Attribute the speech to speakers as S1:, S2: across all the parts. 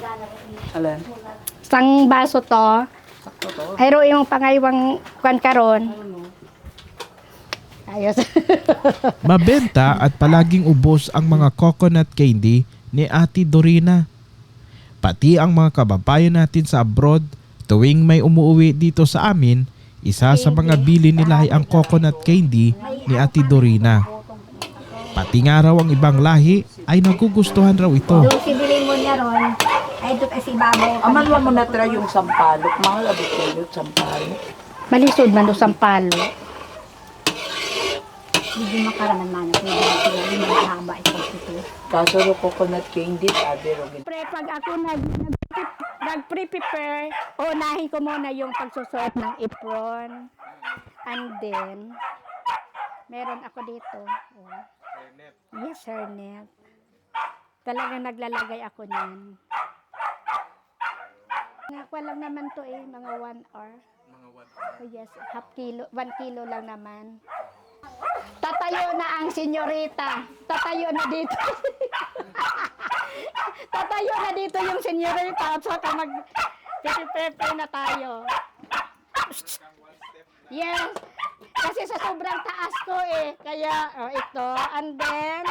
S1: Alin?
S2: Sang baso to.
S1: Sakto to.
S2: Ayro yung pangaywang kwan karon. Ayos.
S3: Mabenta at palaging ubos ang mga coconut candy ni Ate Dorina. Pati ang mga kababayan natin sa abroad, tuwing may umuwi dito sa amin, isa sa mga bili nila ay ang coconut candy ni Ate Dorina. Pati nga raw ang ibang lahi ay nagugustuhan raw ito.
S2: Doon si bilin mo niya ron. Ay doon kasi babaw.
S1: Aman mo na try yung sampalok. Mahal abot ko yung sampalok.
S2: Malisod man do sampalo.
S4: Hindi makaraman man. Hindi mahaba ito.
S1: Kaso ro coconut candy, sabi ro.
S2: Pre, pag ako nag-prepare, unahin ko muna yung pagsusuot ng apron. And then, meron ako dito. Oh. Yes, hairnet. Talagang naglalagay ako niyan. Nakwa lang naman to mga 1 hour. Oh yes, half kilo, 1 kilo lang naman. Tatayo na ang senyorita. Tatayo na dito. Tatayo na dito yung senyorita at saka mag-prepare na tayo. Yes. Kasi sa sobrang taas ko Kaya, ito. And then,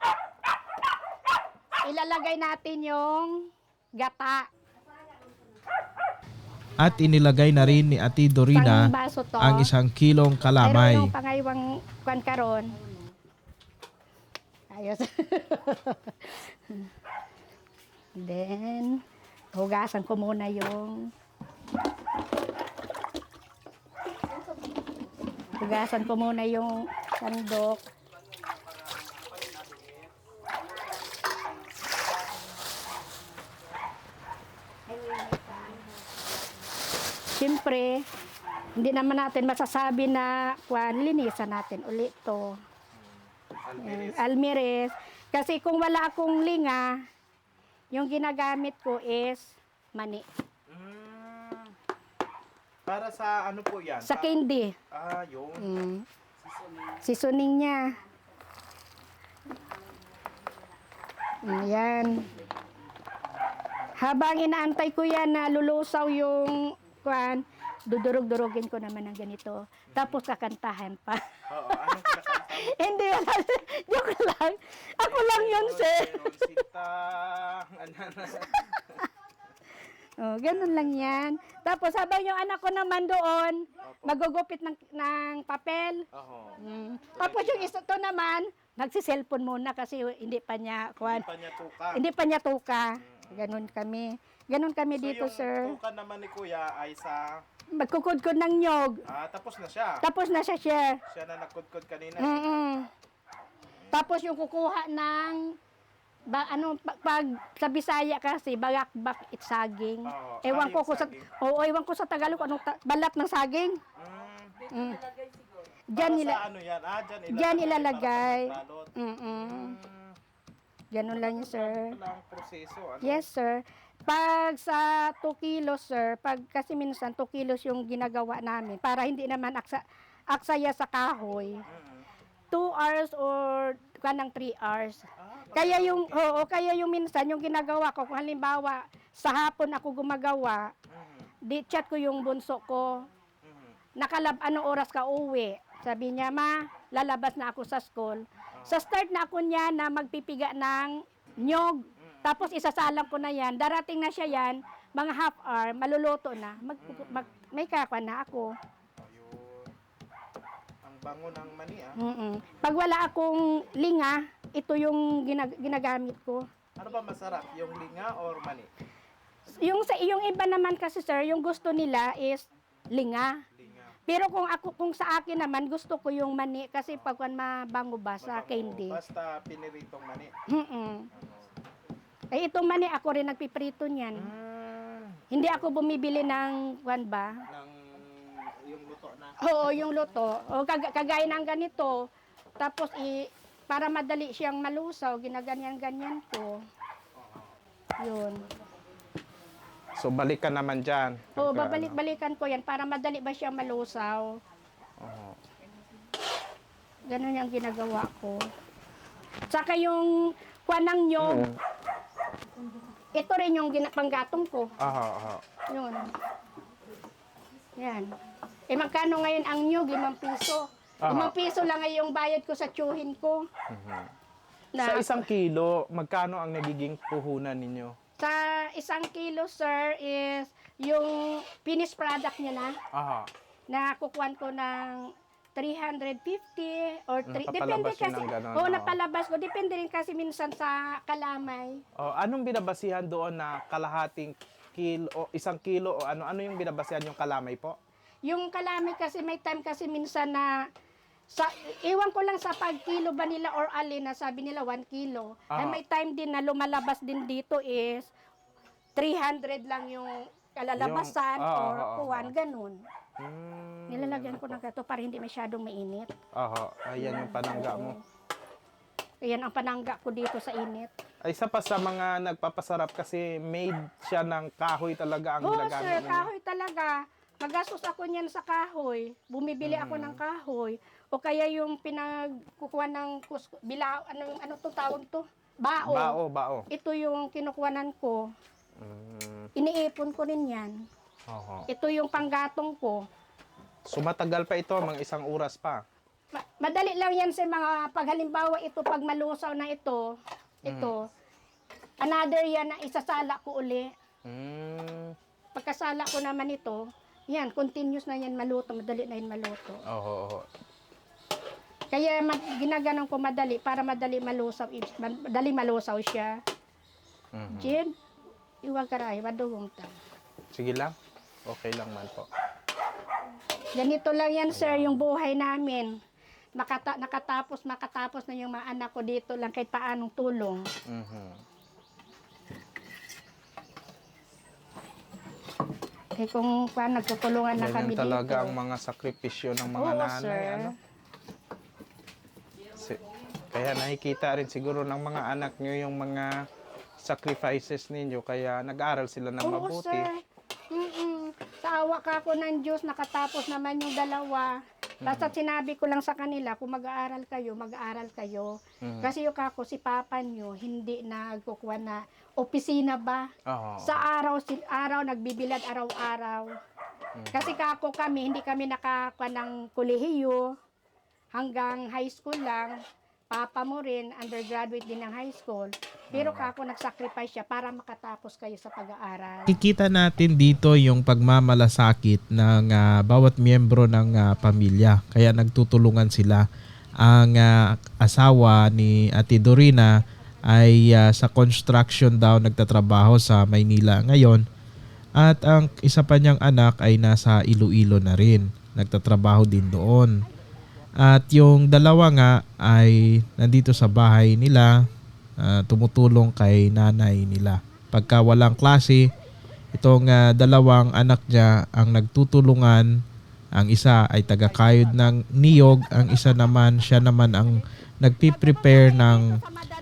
S2: ilalagay natin yung gata.
S3: At inilagay na rin ni Ate Dorina
S2: Sang baso to.
S3: ang 1 kilong kalamay.
S2: Pero yung pangaywang kwan karon. Ayos. Then, hugasan ko muna yung sandok. Siyempre, hindi naman natin masasabi na linisan natin ulit to. Almirez. Kasi kung wala akong linga, yung ginagamit ko is mani.
S3: Para sa ano po yan?
S2: Sa candy.
S3: Yun.
S2: Seasoning niya. Ayan. Habang inaantay ko yan na lulusaw yung dudurog-durogin ko naman ng ganito. Tapos kakantahan pa.
S3: Oo, anong kinakanta?
S2: Hindi, joke lang. Ako lang yun, sir. Oh, ganun lang yan. Tapos habang yung anak ko naman doon, magugupit ng papel. Tapos yung isa to naman, nagsiselfon muna kasi hindi pa niya tuka. Ganun kami. Ganun kami dito, sir.
S3: Yung tuka naman ni Kuya ay sa...
S2: Magkukudkod ng nyog.
S3: tapos na siya.
S2: Tapos na siya, sir.
S3: Siya na nagkudkod kanina.
S2: Tapos yung kukuha ng pag sa Bisaya kasi bagakbak saging. Ewan ko sa ewan ko sa Tagalog anong balat ng saging. Diyan ilalagay. Ganun lang yun, sir. Yes, sir. Pag sa 2 kilos, sir, kasi minsan 2 kilos yung ginagawa namin para hindi naman aksaya sa kahoy. 2 hours or kanang 3 hours. Kaya yung minsan yung ginagawa ko, kung halimbawa sa hapon ako gumagawa, di-chat ko yung bunso ko. Anong oras ka uwi? Sabi niya, ma, lalabas na ako sa school. Sa start na ako niya na magpipiga ng nyog. Tapos isasalang ko na yan. Darating na siya yan, mga half hour, maluluto na. May kakwa na ako.
S3: Ang bango ng mani
S2: Pag wala akong linga, ito yung ginagamit ko.
S3: Ano ba masarap? Yung linga or mani?
S2: Yung iba naman kasi, sir, yung gusto nila is linga. Pero kung sa akin naman, gusto ko yung mani kasi pag mabango ba sa candy.
S3: Basta piniritong mani.
S2: Itong mani, ako rin nagpiprito niyan. Hindi ako bumibili ng
S3: Yung luto na.
S2: Oo, yung luto. Kagaya ng ganito. Tapos, para madali siyang malusaw, ginaganyan-ganyan ko. Yun.
S3: So balikan naman dyan.
S2: Oo, babalik-balikan ko yan para madali ba siyang malusaw. Ganun yung ginagawa ko. Tsaka yung kuwanang nyog. ito rin yung panggatong ko.
S5: Aha, aha.
S2: Yun. Yan. Eh magkano ngayon ang nyug? 5 piso.
S5: Aha.
S2: 5 piso lang ay yung bayad ko sa tsuhin ko.
S5: Sa 1 kilo, magkano ang nagiging puhunan ninyo?
S2: Sa 1 kilo, sir, is yung finished product niya na,
S5: Aha.
S2: nakukuhan ko ng 350 or 3. Depende
S5: Napapalabas yun
S2: kasi.
S5: ng ganon,
S2: Oo,
S5: oo.
S2: napalabas ko. Depende rin kasi minsan sa kalamay.
S5: Oh, anong binabasihan doon na kalahating kilo o 1 kilo o ano yung binabasihan yung kalamay po?
S2: Yung kalamay kasi may time kasi minsan na iwan ko lang sa pag-kilo ba nila or alin na sabi nila 1 kilo. Ay
S5: Ah.
S2: may time din na lumalabas din dito is 300 lang yung kalalabasan or kuwan, ganun. Nilalagyan ko ng gato para hindi masyadong mainit.
S5: Aha, ayan yung panangga mo.
S2: Ayan ang panangga ko dito sa init.
S5: Ay, isa pa sa mga nagpapasarap kasi made siya ng kahoy talaga ang
S2: Oo,
S5: ginagamit
S2: sir,
S5: ninyo.
S2: kahoy talaga. Magastos ako niyan sa kahoy. Bumibili ako ng kahoy. O kaya yung pinagkukuha ng bilao, ano to tawag to? Bao.
S5: Bao.
S2: Ito yung kinukuhanan ko. Iniipon ko rin yan.
S5: Oho.
S2: Ito yung panggatong ko.
S5: So matagal pa ito, mga 1 oras pa.
S2: Madali lang yan sa mga paghalimbawa ito, pag malusaw na ito, another yan na isasala ko uli. Pagkasala ko naman ito, yan, continuous na yan maluto, madali na yan maluto.
S5: Oho.
S2: Kaya ginaganon ko madali para madali malusaw siya. Jim, iwag karay, waduhong ta.
S5: Sige lang. Okay lang man po.
S2: Ganito lang yan, sir, yung buhay namin. Makatapos na yung mga anak ko dito lang kahit paanong tulong. Eh kung paano nagtutulungan na kami
S5: Ganyan talaga
S2: dito.
S5: ang mga sakripisyo ng mga
S2: Oo,
S5: nanay.
S2: sir.
S5: Ano? Kaya nakikita rin siguro ng mga anak nyo yung mga sacrifices ninyo. Kaya nag-aaral sila ng
S2: Oo,
S5: mabuti.
S2: sir. Sa awa ka ko ng Diyos, nakatapos naman yung dalawa. Basta sinabi ko lang sa kanila, kung mag-aaral kayo. Kasi yung kako, si papa nyo, hindi nagkukuha na opisina ba?
S5: Oo.
S2: Sa araw, nagbibilad araw-araw. Kasi kako kami, hindi kami nakakuha ng kolehiyo. Hanggang high school lang. Papa mo rin, undergraduate din ng high school. Pero kako nagsacrifice siya para makatapos kayo sa pag-aaral.
S3: Kikita natin dito yung pagmamalasakit ng bawat miyembro ng pamilya. Kaya nagtutulungan sila. Ang asawa ni Ate Dorina ay sa construction daw nagtatrabaho sa Maynila ngayon. At ang isa pa niyang anak ay nasa Iloilo na rin. Nagtatrabaho din doon. At yung dalawa nga ay nandito sa bahay nila, tumutulong kay nanay nila. Pagka walang klase, itong dalawang anak niya ang nagtutulungan. Ang isa ay taga-kayod ng niyog, ang isa naman, siya naman ang nagpiprepare ng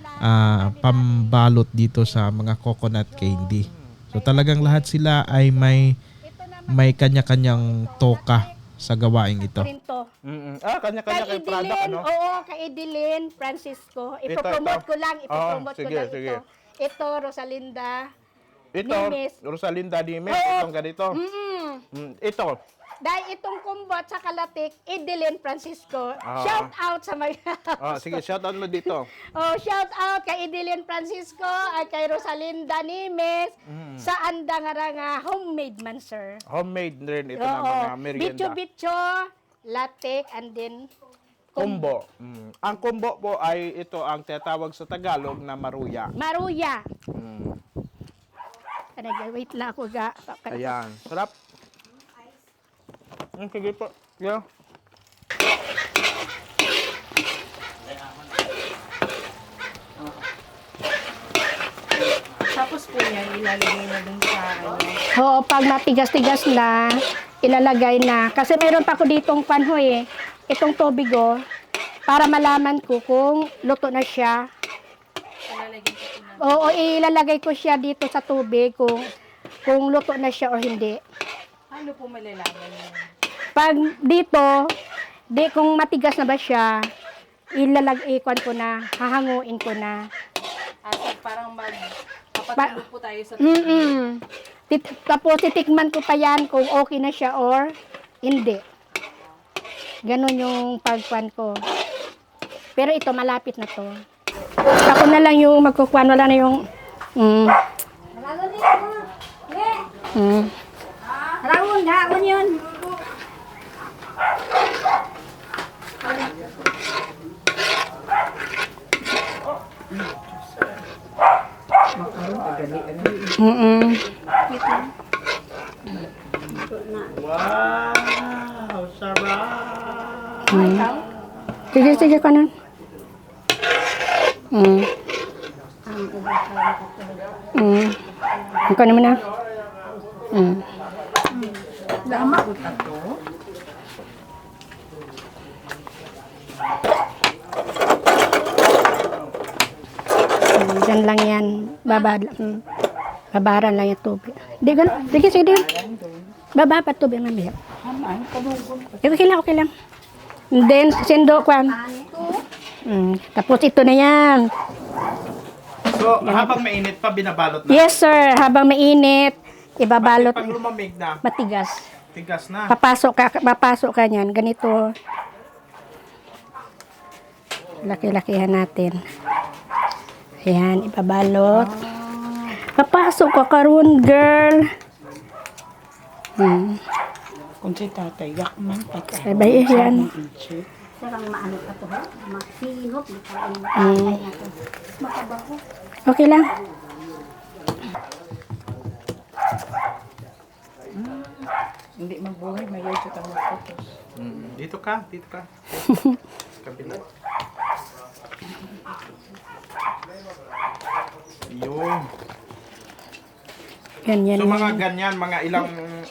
S3: pambalot dito sa mga coconut candy. So talagang lahat sila ay may kanya-kanyang toka sa gawaing ito.
S2: Rinto.
S5: Kanya-kanya
S2: Kay
S5: kay product,
S2: Idilin,
S5: ano?
S2: oo, kay Idilin, Francisco. Ipopromote ko lang,
S5: sige.
S2: ito. Ito, Rosalinda.
S5: Ito,
S2: Nimes.
S5: Rosalinda Nimes,
S2: Oo.
S5: itong ganito. Ito,
S2: Dahil itong kumbot sa kalatik, Idilin, Francisco. Shout out sa mga...
S5: sige, shoutout mo dito.
S2: shout out kay Idilin Francisco at kay Rosalinda Nimes. Sa anda nga homemade man, sir.
S5: Homemade rin ito na mga merienda.
S2: Bicho, latik, and then
S5: Kumbo. Ang kumbo po ay ito ang tinatawag sa Tagalog na maruya.
S2: maruya. Wait lang ako ga.
S5: Ayan. Sarap. Sige po. Yeah.
S1: Tapos po yan, ilalagay na dun sa
S2: Oo, pag matigas-tigas na, ilalagay na. Kasi meron pa ko ditong panho itong tubig para malaman ko kung luto na siya. Oo, ilalagay ko siya dito sa tubig kung luto na siya o hindi.
S1: Ano po malalaman yun?
S2: Pag dito, kung matigas na ba siya, ilalagay ko na, hahanguin ko na.
S1: At parang kapag Papatulog po tayo sa
S2: Tapos titikman ko pa yan kung okay na siya or hindi. Ganon yung pagkuhan ko. Pero ito, malapit na to. Ako na lang yung magkukuhan. Wala na yung...
S4: Rawon, daon yun.
S5: Wow! Sarap!
S2: Sige ka na. Ikaw naman na.
S1: Lama ko na to.
S2: Diyan lang yan. Babaran lang yung tubig. Di ganun. Sige. Baba pa tubig mamaya. Okay lang. And then, sindo kwan. Tapos ito na yan.
S5: So, habang mainit pa, binabalot na.
S2: Yes, sir. Habang mainit, ibabalot.
S5: Pag lumamig na,
S2: Matigas.
S5: tigas na.
S2: Papasok ka niyan. Ganito. Laki-lakihan natin. Ayan, ibabalot. Papasok ka karon, girl.
S1: Kung si tatay, yak man patay.
S2: Sabay yan.
S4: Sarang maano ka to, ha? Masinop, makain na to. Makabaho.
S2: Okay lang.
S1: Hindi magbuhay, may yun siya tamang photos.
S5: Dito ka. Kabila. Yun.
S2: Ganyan.
S5: So mga ganyan, ilang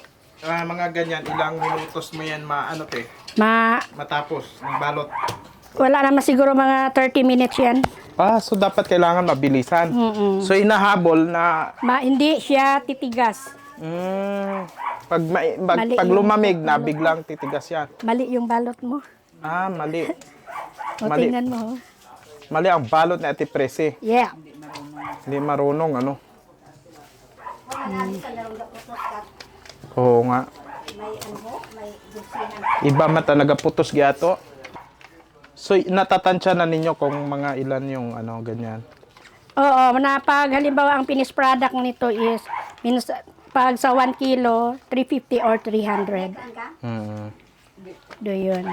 S5: minutos mo yan matapos ng balot.
S2: Wala naman siguro mga 30 minutes yan.
S5: So dapat kailangan mabilisan. So inahabol na
S2: Hindi siya titigas.
S5: pag
S2: Mali
S5: pag
S2: yung
S5: lumamig na
S2: balot.
S5: biglang titigas yan.
S2: Mali yung balot mo.
S5: Mali.
S2: O,
S5: Mali.
S2: tingnan mo.
S5: Mali ang balot ni Ate Presi.
S2: Yeah.
S5: Hindi marunong Oo nga. Iba man talaga putos giato. So natatansya na ninyo kung mga ilan yung ganyan.
S2: Oo, pag halimbawa ang finished product nito is pag sa 1 kilo, 350 or 300. Do yun.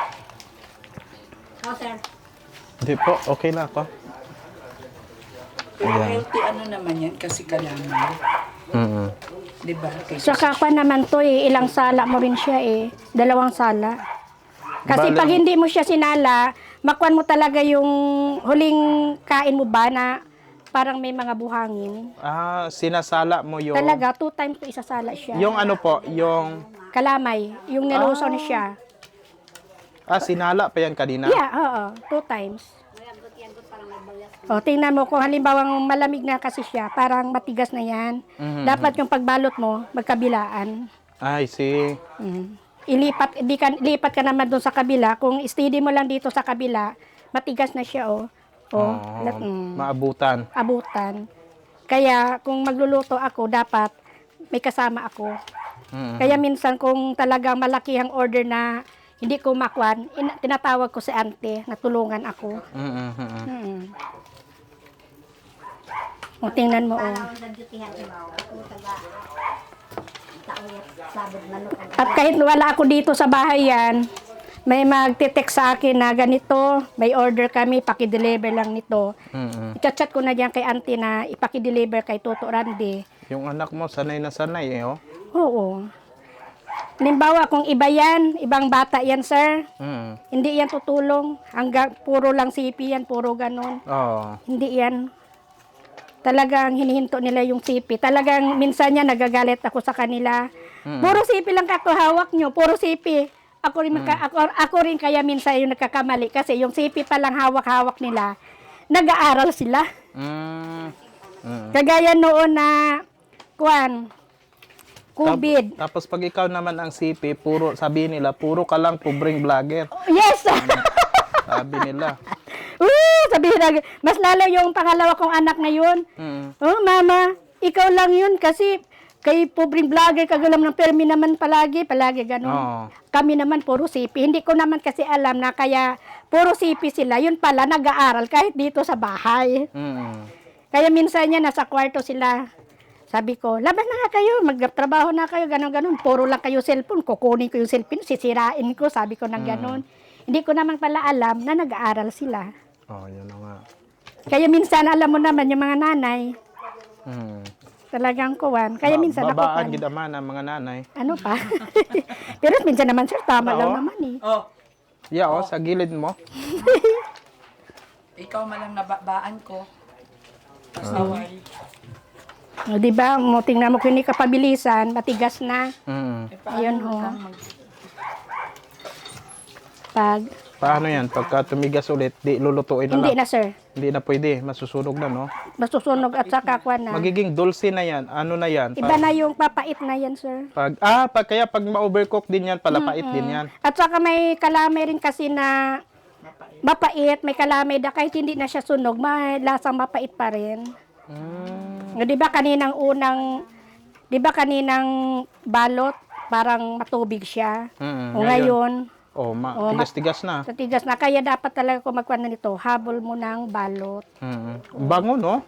S4: Oh, sir.
S5: Hindi po, okay na ako.
S1: Pero healthy naman yan kasi kalaman. Diba?
S2: Saka pa naman to ilang sala mo rin siya 2 sala. Kasi
S5: Bale-
S2: pag hindi mo siya sinala, makuan mo talaga yung huling kain mo ba na parang may mga buhangin.
S5: Sinasala mo yung...
S2: Talaga, 2 times ko isasala siya.
S5: Yung yung...
S2: Kalamay, yung nilusaw na siya.
S5: Sinala pa yan kanina?
S2: Yeah, oo, 2 times. O, tingnan mo kung halimbawa malamig na kasi siya, parang matigas na yan. Dapat yung pagbalot mo, magkabilaan.
S5: I see.
S2: Lipat ka naman doon sa kabila. Kung steady mo lang dito sa kabila, matigas na siya,
S5: Maabutan.
S2: abutan. Kaya, kung magluluto ako, dapat may kasama ako. Kaya minsan, kung talagang malaki ang order na hindi ko makwan, tinatawag ko si ante na tulungan ako. O, tingnan mo, At kahit wala ako dito sa bahay yan, may magte-text sa akin na ganito, may order kami, paki-deliver lang nito. I-chat ko na diyan kay auntie na ipaki-deliver kay Toto Randy.
S5: Yung anak mo, sanay na sanay
S2: Oo. Halimbawa, kung iba yan, ibang bata yan, sir, hindi yan tutulong. Hanggang puro lang sipi yan, puro ganon. Hindi yan. Talagang hinihinto nila yung sipi. Talagang minsan yan, nagagalit ako sa kanila. Puro sipi lang hawak nyo, puro sipi. Ako rin kaya minsan yung nagkakamali kasi yung sipi pa lang hawak-hawak nila, nag-aaral sila. Kagaya noon na, COVID.
S5: Tapos pag ikaw naman ang CP, sabi nila, puro ka lang pobreng vlogger.
S2: Yes!
S5: Sabi nila.
S2: Sabihin na, mas lalo yung pangalawa kong anak na yun.
S5: Mm.
S2: Oh, mama, ikaw lang yun kasi kay pobreng vlogger, kagalam ng permi naman palagi ganun.
S5: Oo.
S2: Kami naman puro sipi. Hindi ko naman kasi alam na kaya puro sipi sila. Yun pala, nag-aaral kahit dito sa bahay.
S5: Mm.
S2: Kaya minsan niya, nasa kwarto sila. Sabi ko, labas na nga kayo, magtrabaho na kayo, ganun. Puro lang kayo cellphone, kukunin ko yung cellphone, sisirain ko, sabi ko ng ganun. Hindi ko naman pala alam na nag-aaral sila.
S5: Oh, yun na nga.
S2: Kaya minsan, alam mo naman, yung mga nanay,
S5: Mm.
S2: talagang kuwan. Kaya minsan ako
S5: babaan
S2: pan-
S5: gid man ang mga nanay.
S2: ano pa? Pero minsan naman, sir, tama
S5: Oo.
S2: lang naman eh.
S1: Oh,
S5: Yeah, oh, sa gilid mo.
S1: ikaw malang nababaan ko. Pasaway.
S2: O, di ba? Mo, tingnan mo kung hindi ka pabilisan, matigas na.
S5: Mm.
S2: Ayun, ho. Pag,
S5: Paano yan? Pagka tumigas ulit, di lulutuin na
S2: hindi
S5: lang.
S2: na, sir.
S5: Hindi na pwede. Masusunog na, no?
S2: Masusunog at saka kuwan na.
S5: Magiging dulce na yan. Ano na yan?
S2: Iba na yung papait na yan, sir.
S5: Kaya pag ma-overcook din yan, palapait din yan.
S2: At saka may kalamay rin kasi na mapait, may kalamay na kahit hindi na siya sunog, may lasang mapait pa rin.
S5: Mm.
S2: Di ba kaninang balot, parang matubig siya.
S5: Mm,
S2: O ngayon,
S5: tigas-tigas na.
S2: sa tigas na, kaya dapat talaga kung magkuhan na nito, habol mo ng balot.
S5: Mm. Bango, no?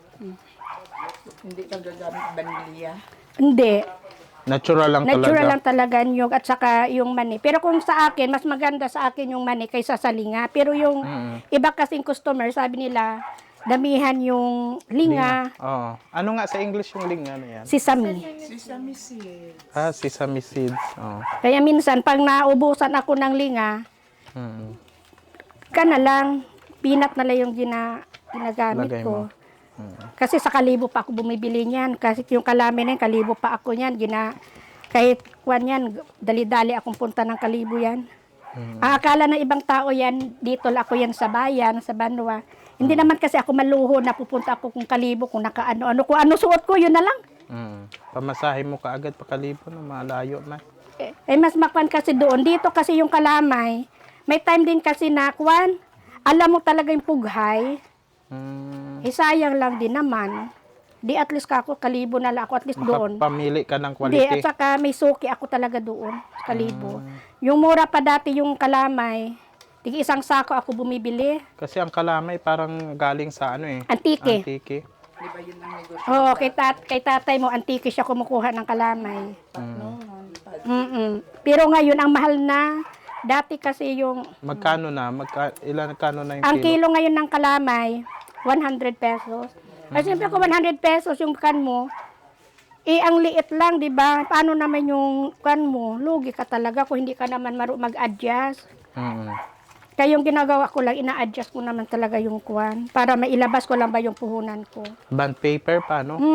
S1: Hindi ka gagamit vanilya.
S2: Hindi,
S5: Natural lang
S2: natural
S5: talaga.
S2: lang talaga yung at saka yung mani. Pero kung sa akin, mas maganda sa akin yung mani kaysa sa linga. Pero yung iba kasing customer, sabi nila, damihan yung linga,
S5: Oo. Ano nga sa English yung ling? Ano yan?
S2: sesame.
S1: Sesame seed.
S5: Sesame seeds. Oo.
S2: Kaya minsan, pag naubusan ako ng linga,
S5: Mm.
S2: ka na lang, peanut na lang yung ginagamit
S5: Lagay
S2: ko.
S5: mo.
S2: Kasi sa kalibo pa ako bumibili niyan. Kasi yung kalami na yun, kalibo pa ako niyan. Kahit kwan yan, dali-dali akong punta ng kalibo yan. Ang akala ng ibang tao yan, dito lang ako yan sa bayan, sa Banwa. Hindi naman kasi ako maluho na pupunta ako kung kalibo, kung nakaano-ano. Kung ano suot ko, yun na lang.
S5: Mm. Pamasahe mo kaagad pakalibo na malayo man.
S2: Mas makwan kasi doon. Dito kasi yung kalamay, may time din kasi na kwan, alam mo talaga yung pughay.
S5: Mm.
S2: Sayang lang din naman. Di at least ako, kalibo na lang ako, at least doon.
S5: Makapamili ka ng
S2: Hindi, at
S5: quality.
S2: saka may suki ako talaga doon, sa kalibo. Yung mura pa dati yung kalamay, tig isang sako ako bumibili.
S5: Kasi ang kalamay parang galing sa ano eh.
S2: Antike.
S5: Antike.
S1: Di ba yun ang negosyo?
S2: Oo, kay tatay mo, antike siya kumukuha ng kalamay.
S1: Noon.
S2: Pero ngayon, ang mahal na. Dati kasi yung,
S5: Magkano na? Ilan kano na yung
S2: ang
S5: kilo?
S2: kilo ngayon ng kalamay, 100 pesos. Kasi siyempre kung 100 pesos yung kan mo, ang liit lang, di ba? Paano naman yung kan mo? Lugi ka talaga kung hindi ka naman mag-adjust.
S5: Mm.
S2: Kaya yung ginagawa ko lang, ina-adjust ko naman talaga yung kwan para mailabas ko lang ba yung puhunan ko.
S5: Band paper pa, no?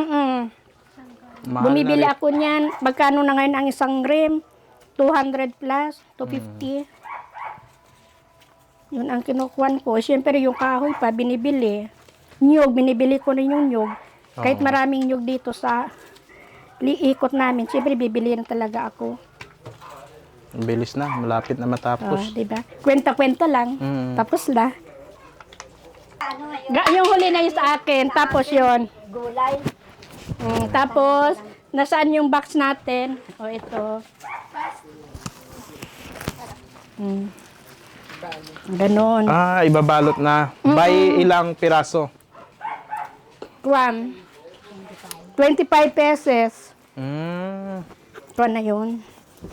S5: Mahal
S2: Bumibili
S5: na rin.
S2: ako niyan. Magkano na ngayon ang isang rim? 200 plus, 250. Yun ang kinukuhan ko. Siyempre yung kahoy pa, binibili. Nyug, binibili ko rin yung nyug. Kahit maraming nyug dito sa liikot namin, siyempre bibili na talaga ako.
S5: Ang bilis na, malapit na matapos.
S2: Diba? Kwenta-kwenta lang.
S5: Mm.
S2: Tapos na. Yung huli na yun sa akin. Tapos yun.
S4: Gulay.
S2: Tapos, nasaan yung box natin? O, ito. Ganon.
S5: Ibabalot na. By ilang piraso?
S2: Kwan. 25 pesos.
S5: Mm.
S2: Kwan na yun.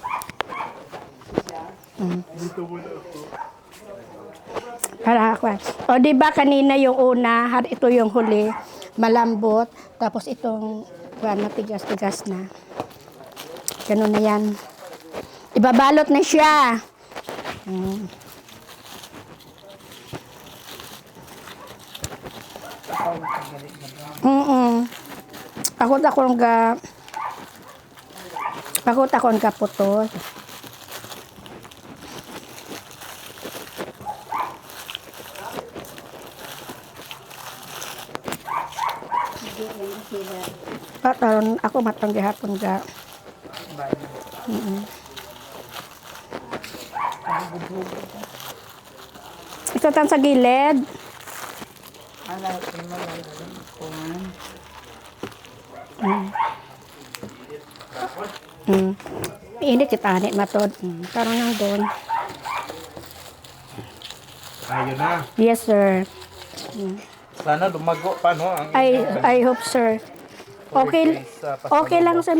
S2: Para kwan. O, di ba kanina yung una, ito yung huli, malambot. Tapos itong kwan, matigas-tigas na. Ganon na yan. Ibabalot na siya. Pakot ako nga putos. Pataron ako matanggi hapon ga. Ito tan sa gilid.
S1: Ala, imalay kuman.
S2: Init kita anit matod. Karon nang doon.
S5: Ayun na.
S2: Yes, sir.
S5: Sana lumago pa, no? Ang
S2: I hope, sir. Okay, okay lang sa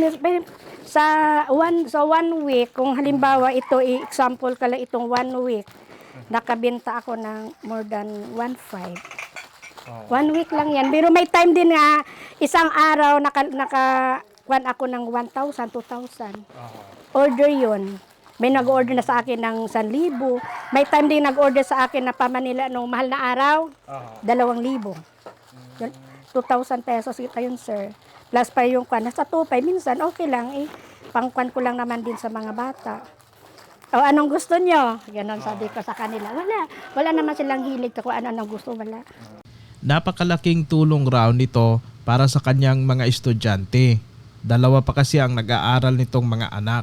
S2: one week, kung halimbawa ito, example kala itong 1 week, nakabenta ako ng more than 1.5. 1 week lang yan. Pero may time din nga, isang araw, kuan ako ng 1,000, 2,000. Order yun. May nag-order na sa akin ng 1,000. May time din nag-order sa akin na pamanila nung mahal na araw, 2,000. 2,000 pesos kita yun, sir. Plus pa yung kwan, nasa 2,500, minsan okay lang eh. Pangkwan ko lang naman din sa mga bata. O anong gusto nyo? Ganon sabi ko sa kanila. Wala naman silang hilig kung ano-anong gusto, wala.
S3: Napakalaking tulong raw nito para sa kanyang mga estudyante. 2 pa kasi ang nag-aaral nitong mga anak.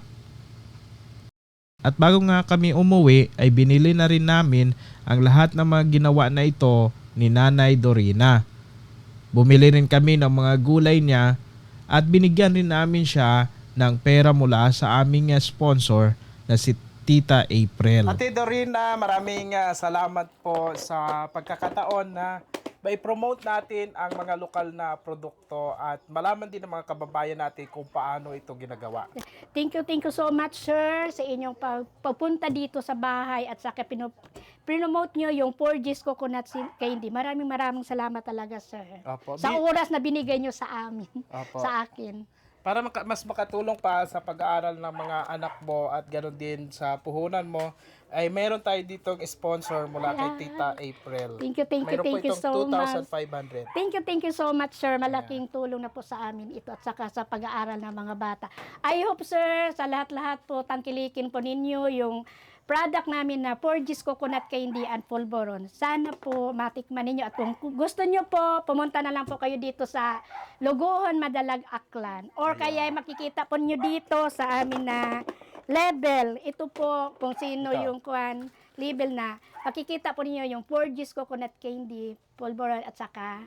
S3: At bago nga kami umuwi ay binili na rin namin ang lahat ng mga ginawa na ito ni Nanay Dorina. Bumili rin kami ng mga gulay niya at binigyan rin namin siya ng pera mula sa aming sponsor na si Tita April.
S5: Ate Dorina, maraming salamat po sa pagkakataon na mai-promote natin ang mga lokal na produkto at malaman din ng mga kababayan natin kung paano ito ginagawa.
S2: Thank you so much, sir, sa inyong pagpunta dito sa bahay at saka promote nyo yung 4G's Coconut Candy. Maraming salamat talaga, sir.
S5: Opo.
S2: Sa oras na binigay nyo sa amin,
S5: Opo.
S2: sa akin.
S5: Para mas makatulong pa sa pag-aaral ng mga anak mo at ganoon din sa puhunan mo, ay meron tayo ditong sponsor mula kay Tita April.
S2: Thank you
S5: Mayroon po
S2: so much.
S5: 2,500.
S2: Thank you so much, sir. Malaking tulong na po sa amin ito at saka sa pag-aaral ng mga bata. I hope, sir, sa lahat-lahat po, tangkilikin po ninyo yung product namin na 4G's Coconut Candy and Pulveron. Sana po matikman ninyo at kung gusto nyo po, pumunta na lang po kayo dito sa Lugohon, Madalag, Aklan. Or kaya makikita po nyo dito sa amin na label. Ito po kung sino yung label na makikita po ninyo yung 4G's Coconut Candy, Pulveron at saka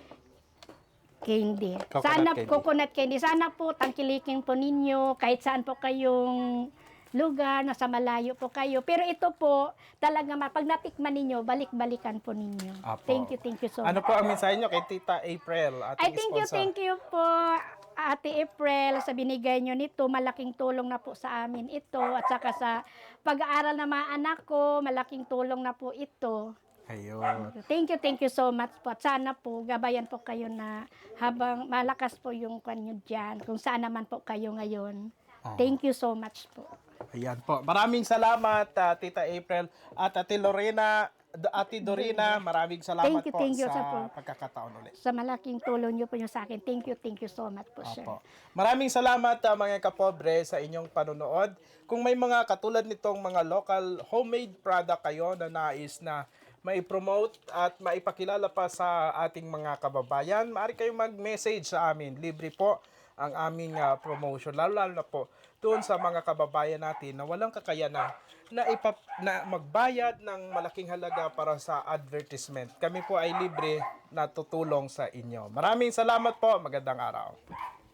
S2: candy. Coconut candy. Sana po tangkilikin po ninyo kahit saan po kayong lugar, nasa malayo po kayo. Pero ito po, talaga pag natikman ninyo, balik-balikan po ninyo.
S5: Apo.
S2: Thank you so much.
S5: Ano po ang mensahe nyo kay Tita April, ating sponsor?
S2: Thank you po, Ate April, sa binigay nyo nito. Malaking tulong na po sa amin ito. At saka sa pag-aaral ng mga anak ko, malaking tulong na po ito.
S5: Ayun.
S2: Thank you so much po. At sana po, gabayan po kayo na habang malakas po yung kanyo dyan, kung saan naman po kayo ngayon. Thank you so much po.
S5: Ayan po. Maraming salamat, Tita April. At Ate Lorena, Ate Dorina, maraming salamat
S2: Thank you
S5: sa
S2: po.
S5: pagkakataon ulit.
S2: Sa malaking tulong nyo po nyo sa akin. Thank you so much po, sir.
S5: Apo. Maraming salamat mga kapobre sa inyong panonood. Kung may mga katulad nitong mga local homemade product kayo na nais na mai-promote at maipakilala pa sa ating mga kababayan, maaari kayong mag-message sa amin. Libre po ang aming promotion. Lalo na po doon sa mga kababayan natin na walang kakayanan na magbayad ng malaking halaga para sa advertisement. Kami po ay libre na tutulong sa inyo. Maraming salamat po. Magandang araw.